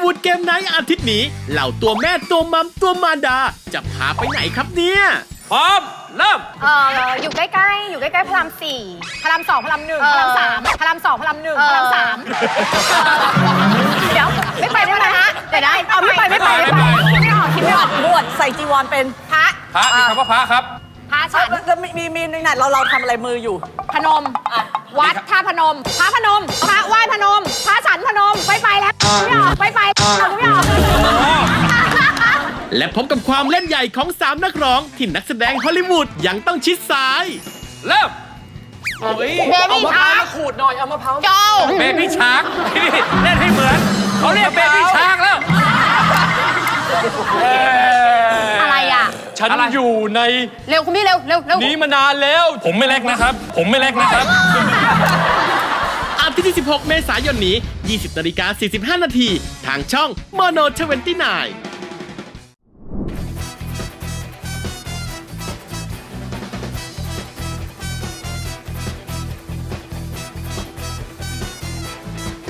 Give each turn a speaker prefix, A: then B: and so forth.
A: วูดเกมไนท์อาทิตย์นี้เหล่าตัวแม่ตัวมัมตัวมารดาจะพาไปไหนครับเนี่ย
B: พร้อมเริ่ม
C: อยู่ใกล้ๆอยู่ใกล้ๆพระราม4พระราม2พระราม1พระราม3พระราม2พระราม1พระราม3เดี๋ยวไม่ไปได้ไหมฮะเดี๋ยวนะไม่ไปคิดไม่ออก
D: บวชใส่จีวรเป็น
C: พระ
B: พระมีคำว่าพระครับ
C: พระฉัน
D: แล้วมีในไหนเราทำอะไรมืออยู่
C: พนมวัดท่าพนมพระพนมพระไหว้พนมพระฉันพนมไปแล้วไม่ออกไม่ออก
A: และพบกับความเล่นใหญ่ของ3นักร้องที่นักแสดงฮอลลีวูดยังต้องชิดซ้าย
B: เริ่ม
C: เบบี้ชาร์ก
D: ขูดหน่อยเอามะพร้าว
C: โจ
B: เบบี้ชาร์กนี่เล่นให้เหมือนเขาเรียกเบบี้ชาร์กแล้ว
C: อะไรอ่ะ
B: ฉันอยู่ใน
C: เร็วคุณพี่เร็ว
B: นี้มานานแล้ว ผมไม่เล็กนะครับ
A: อาทิตย์ที่ 16 เมษายนนี้ 20:45 นาทีทางช่อง Mono 29